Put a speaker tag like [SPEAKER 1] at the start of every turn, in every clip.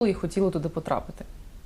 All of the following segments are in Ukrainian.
[SPEAKER 1] і хотіли туди потрапити?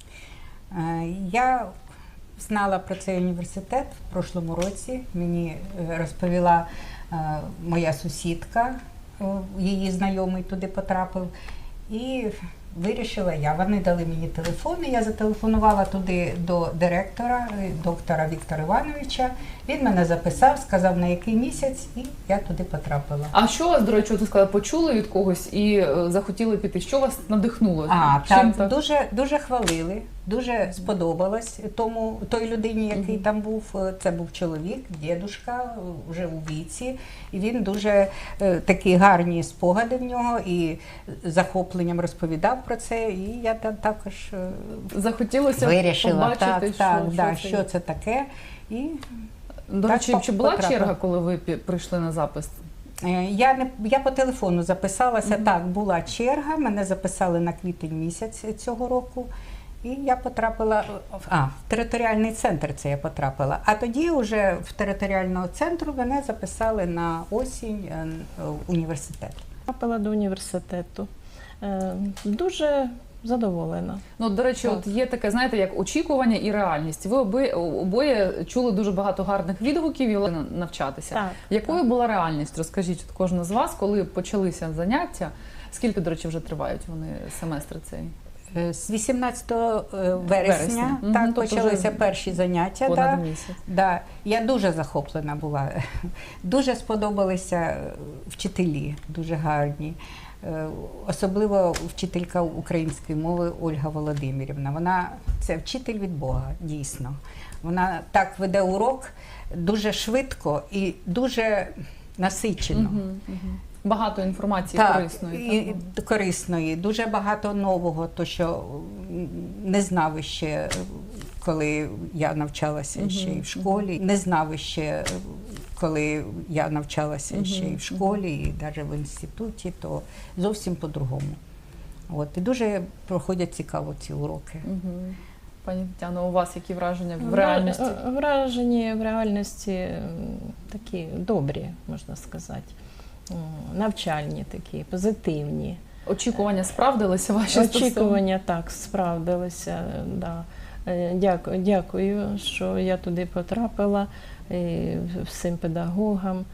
[SPEAKER 2] Я знала про цей університет в прошлому році. Мені розповіла моя сусідка, її знайомий туди потрапив. І вирішила я. Вони дали мені телефон, і я зателефонувала туди до директора, доктора Віктора Івановича. Він мене записав, сказав, на який місяць, і я туди потрапила.
[SPEAKER 1] А що вас, до речі, ти сказала, почули від когось і захотіли піти? Що вас надихнуло?
[SPEAKER 2] Так, дуже хвалили, дуже сподобалось той людині, який там був. Це був чоловік, дідушка, вже у віці. І він дуже такі гарні спогади в нього і захопленням розповідав про це. І я там також
[SPEAKER 1] захотілося
[SPEAKER 2] вирішила,
[SPEAKER 1] побачити,
[SPEAKER 2] що це таке. І
[SPEAKER 1] до речі, чи була черга, коли ви прийшли на запис?
[SPEAKER 2] Я по телефону записалася, так, була черга, мене записали на квітень місяць цього року, і я потрапила, в територіальний центр це я потрапила, а тоді вже в територіального центру мене записали на осінь в університет.
[SPEAKER 3] Потрапила до університету, дуже задоволена.
[SPEAKER 1] Ну, до речі, от є таке, знаєте, як очікування і реальність. Ви обоє чули дуже багато гарних відгуків і навчатися.
[SPEAKER 3] Так,
[SPEAKER 1] якою була реальність? Розкажіть, от кожна з вас, коли почалися заняття, скільки, до речі, вже тривають вони семестри цей?
[SPEAKER 2] З 18 вересня так, почалися перші заняття.
[SPEAKER 1] Понад місяць.
[SPEAKER 2] Да. Я дуже захоплена була. Дуже сподобалися вчителі, дуже гарні. Особливо вчителька української мови Ольга Володимирівна. Це вчитель від Бога, дійсно. Вона так веде урок дуже швидко і дуже насичено.
[SPEAKER 1] Багато інформації корисної.
[SPEAKER 2] Корисної, дуже багато нового, то що не знав ще, коли я навчалася ще і в школі, не знав ще, коли я навчалася ще і в школі, і навіть в інституті, то зовсім по-другому. І дуже проходять цікаво ці уроки.
[SPEAKER 1] Пані Тетяно, у вас які враження в реальності?
[SPEAKER 3] Враження в реальності такі добрі, можна сказати. Навчальні такі, позитивні.
[SPEAKER 1] Очікування справдилися ваші?
[SPEAKER 3] Очікування, так, справдилися, да. Дякую, що я туди потрапила, і всім педагогам.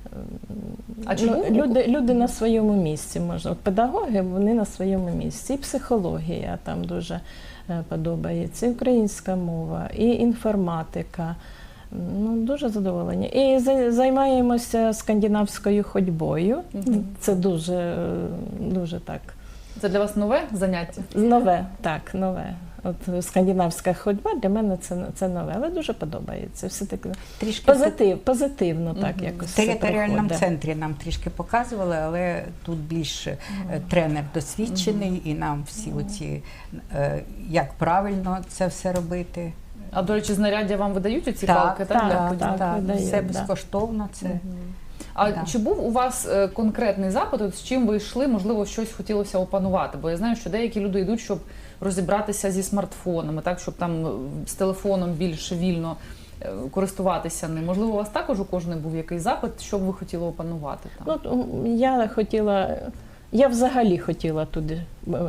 [SPEAKER 3] Люди на своєму місці, можна. От педагоги, вони на своєму місці. І психологія там дуже подобається, і українська мова, і інформатика. Дуже задоволені. І займаємося скандинавською ходьбою. Це дуже так.
[SPEAKER 1] Це для вас нове заняття?
[SPEAKER 3] Нове, так, нове. От скандинавська ходьба для мене це нове, але дуже подобається. Все таке позитивно так якось.
[SPEAKER 2] В територіальному центрі нам трішки показували, але тут більше тренер досвідчений, і нам всі оці, як правильно це все робити.
[SPEAKER 1] А, до речі, знаряддя вам видають оці палки?
[SPEAKER 2] Так, все безкоштовно.
[SPEAKER 1] Чи був у вас конкретний запит, з чим ви йшли, можливо, щось хотілося опанувати? Бо я знаю, що деякі люди йдуть, щоб розібратися зі смартфонами, так, щоб там з телефоном більш вільно користуватися ним. Можливо, у вас також у кожної був якийсь запит, що б ви хотіли опанувати там?
[SPEAKER 3] Я взагалі хотіла туди.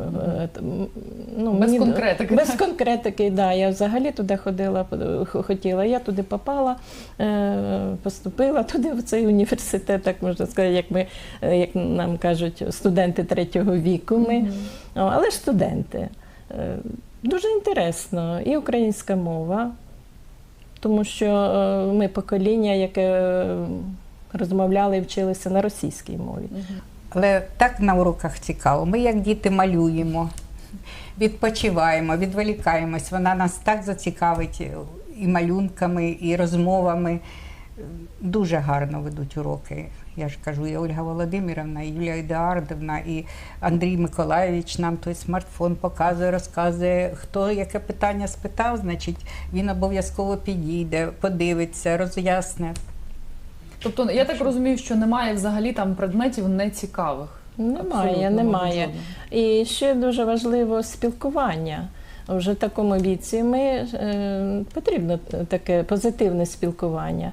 [SPEAKER 1] Без конкретики?
[SPEAKER 3] Без конкретики, так. Я взагалі туди хотіла. Я туди попала, поступила туди, в цей університет, так можна сказати, як нам кажуть, студенти третього віку ми. Але ж студенти. Дуже інтересно. І українська мова, тому що ми покоління, яке розмовляли і вчилися на російській мові.
[SPEAKER 2] Але так на уроках цікаво. Ми, як діти, малюємо, відпочиваємо, відволікаємось. Вона нас так зацікавить і малюнками, і розмовами. Дуже гарно ведуть уроки. Я ж кажу, і Ольга Володимирівна, і Юлія Едуардівна, і Андрій Миколайович нам той смартфон показує, розказує. Хто яке питання спитав, значить, він обов'язково підійде, подивиться, роз'ясне.
[SPEAKER 1] Тобто, я так розумію, що немає взагалі там предметів нецікавих?
[SPEAKER 3] Немає. І ще дуже важливо спілкування. вже в такому віці потрібно таке позитивне спілкування.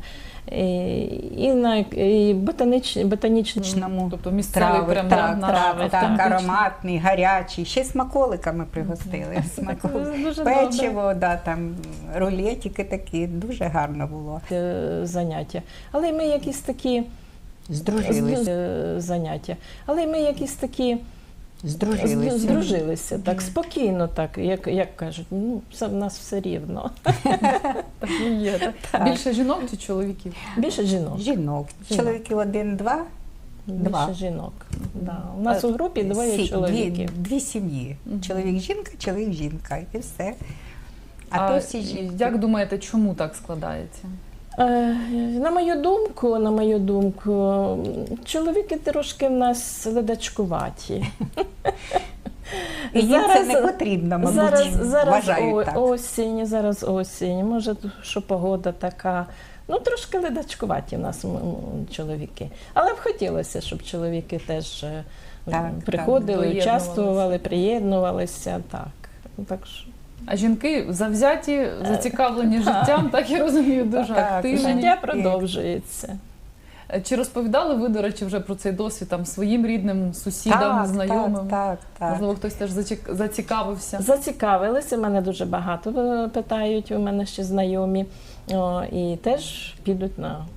[SPEAKER 3] І ботанічному.
[SPEAKER 1] Тобто місцевий
[SPEAKER 2] Трави,
[SPEAKER 1] прям
[SPEAKER 2] так,
[SPEAKER 1] наш
[SPEAKER 2] так,
[SPEAKER 1] автентичний.
[SPEAKER 2] ароматний, гарячий. Ще смаколиками пригостили.
[SPEAKER 3] Дуже
[SPEAKER 2] Печиво, да, там, рулетики такі. Дуже гарно було.
[SPEAKER 3] Заняття. Але ми якісь такі
[SPEAKER 2] Здружилися.
[SPEAKER 3] заняття. Але ми якісь такі здружилися так, спокійно, так, як кажуть, ну, в нас все рівно.
[SPEAKER 1] Так і є. Так.
[SPEAKER 2] Так.
[SPEAKER 1] Більше жінок чи чоловіків?
[SPEAKER 3] Більше жінок.
[SPEAKER 2] Жінок. Чоловіків 1-2. Два.
[SPEAKER 3] Більше жінок. Да. У нас у групі двоє чоловіків.
[SPEAKER 2] Дві сім'ї. Чоловік-жінка, чоловік-жінка. І все. А
[SPEAKER 1] А
[SPEAKER 2] то всі жінки.
[SPEAKER 1] як думаєте, чому так складається?
[SPEAKER 3] На мою думку, чоловіки трошки в нас ледачкуваті.
[SPEAKER 2] І їм це не потрібно, мабуть, вважають так.
[SPEAKER 3] Зараз осінь, може, що погода така. Ну, трошки ледачкуваті в нас чоловіки. Але б хотілося, щоб чоловіки теж приходили,
[SPEAKER 1] так,
[SPEAKER 3] участвували, приєднувалися. Так що.
[SPEAKER 1] А жінки завзяті, зацікавлені життям, так я розумію, дуже активні.
[SPEAKER 3] Життя продовжується.
[SPEAKER 1] Чи розповідали ви, до речі, вже про цей досвід там своїм рідним, сусідам, знайомим?
[SPEAKER 2] Так.
[SPEAKER 1] Можливо, хтось теж зацікавився?
[SPEAKER 3] Зацікавилися, мене дуже багато питають, у мене ще знайомі, і теж підуть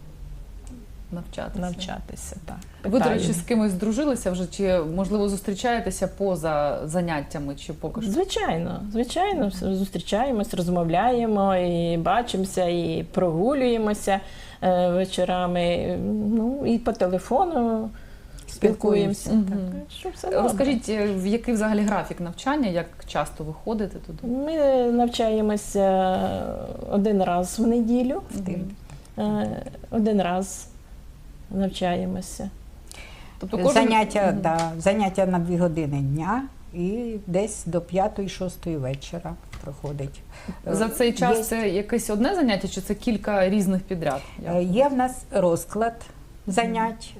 [SPEAKER 3] навчатися. Так.
[SPEAKER 1] Ви, до речі, з кимось здружилися вже, чи, можливо, зустрічаєтеся поза заняттями, чи поки що?
[SPEAKER 3] Звичайно, зустрічаємось, розмовляємо, і бачимося, і прогулюємося вечорами, ну, і по телефону спілкуємося.
[SPEAKER 1] Розкажіть, в який взагалі графік навчання, як часто ви ходите туди?
[SPEAKER 3] Ми навчаємося один раз в неділю, один раз навчаємося.
[SPEAKER 1] Тобто
[SPEAKER 2] заняття на 2 години дня і десь до 5-6 вечора проходить.
[SPEAKER 1] За цей час це якесь одне заняття, чи це кілька різних підряд?
[SPEAKER 2] Є в нас розклад занять.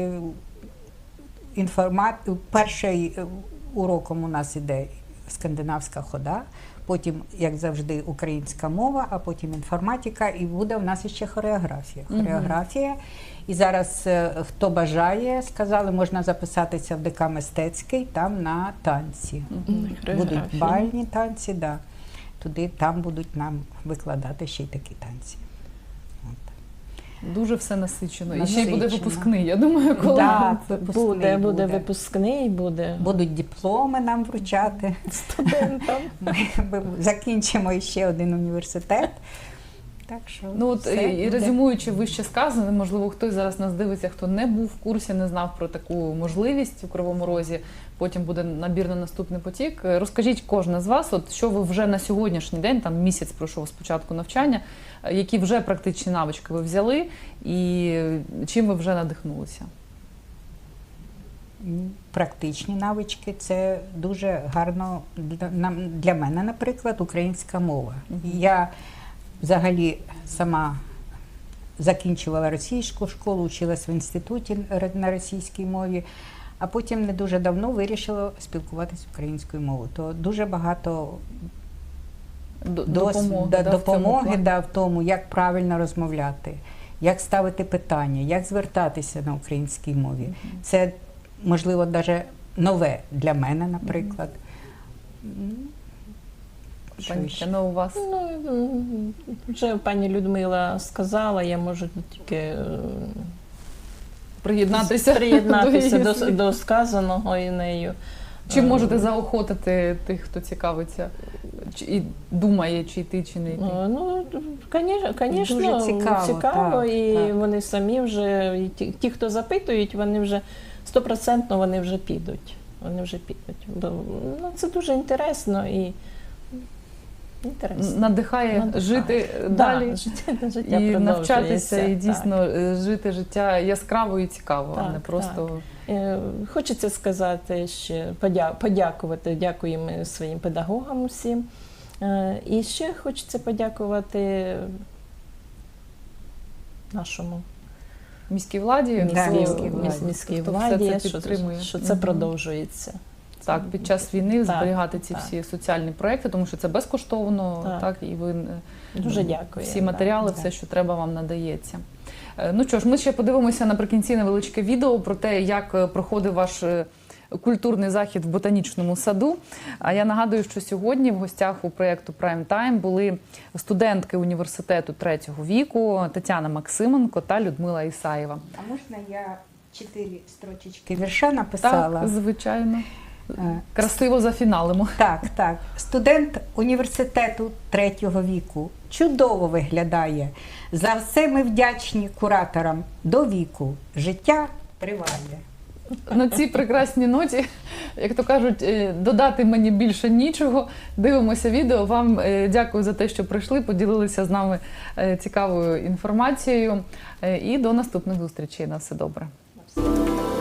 [SPEAKER 2] Перший уроком у нас іде скандинавська хода, потім, як завжди, українська мова, а потім інформатика, і буде в нас ще хореографія. І зараз, хто бажає, сказали, можна записатися в ДК Мистецький, там на танці. Будуть бальні танці, там будуть нам викладати ще й такі танці.
[SPEAKER 1] Дуже все насичено. І ще й буде випускний, я думаю, коли
[SPEAKER 3] буде випускний,
[SPEAKER 2] будуть дипломи нам вручати
[SPEAKER 3] студентам.
[SPEAKER 2] Ми закінчимо ще один університет. Так що
[SPEAKER 1] і резюмуючи вище сказане, можливо, хтось зараз нас дивиться, хто не був в курсі, не знав про таку можливість у Кривому Розі, потім буде набір на наступний потік. Розкажіть кожна з вас, що ви вже на сьогоднішній день, там місяць пройшов з початку навчання, які вже практичні навички ви взяли і чим ви вже надихнулися?
[SPEAKER 2] Практичні навички – це дуже гарно для мене, наприклад, українська мова. Я взагалі сама закінчувала російську школу, училась в інституті на російській мові, а потім не дуже давно вирішила спілкуватися українською мовою. То дуже багато допомоги в тому, як правильно розмовляти, як ставити питання, як звертатися на українській мові. Це, можливо, навіть нове для мене, наприклад.
[SPEAKER 1] Пані, у вас?
[SPEAKER 3] Вже пані Людмила сказала, я можу тільки приєднатися до сказаного і нею.
[SPEAKER 1] Чим можете заохотити тих, хто цікавиться і думає, чи йти, чи не йти?
[SPEAKER 3] Звісно, цікаво, і вони самі вже, ті, хто запитують, вони вже 100% вони вже підуть. Це дуже інтересно і
[SPEAKER 1] надихає жити далі і навчатися, і дійсно жити життя яскраво і цікаво, а не просто...
[SPEAKER 3] Хочеться сказати, ще дякуємо своїм педагогам усім. І ще хочеться подякувати нашому
[SPEAKER 1] міській владі,
[SPEAKER 3] міській владі, що це продовжується.
[SPEAKER 1] Так, під час війни
[SPEAKER 3] Так,
[SPEAKER 1] зберігати ці
[SPEAKER 3] так.
[SPEAKER 1] всі соціальні проекти, тому що це безкоштовно, так, і ви
[SPEAKER 3] Дуже дякую.
[SPEAKER 1] всі матеріали,
[SPEAKER 2] да.
[SPEAKER 1] все, що треба, вам надається. Ну що ж, ми ще подивимося наприкінці невеличке відео про те, як проходив ваш культурний захід в ботанічному саду. А я нагадую, що сьогодні в гостях у проєкту Prime Time були студентки університету третього віку Тетяна Максименко та Людмила Ісаєва.
[SPEAKER 2] А можна я 4 строчечки вірша написала?
[SPEAKER 1] Так, звичайно.
[SPEAKER 2] Е,
[SPEAKER 1] Красиво зафіналимо.
[SPEAKER 2] Так. Студент університету третього віку чудово виглядає. За все ми вдячні кураторам до віку. Життя триває.
[SPEAKER 1] На цій прекрасній ноті, як то кажуть, додати мені більше нічого. Дивимося відео. Вам дякую за те, що прийшли, поділилися з нами цікавою інформацією. І до наступних зустрічей. На все добре.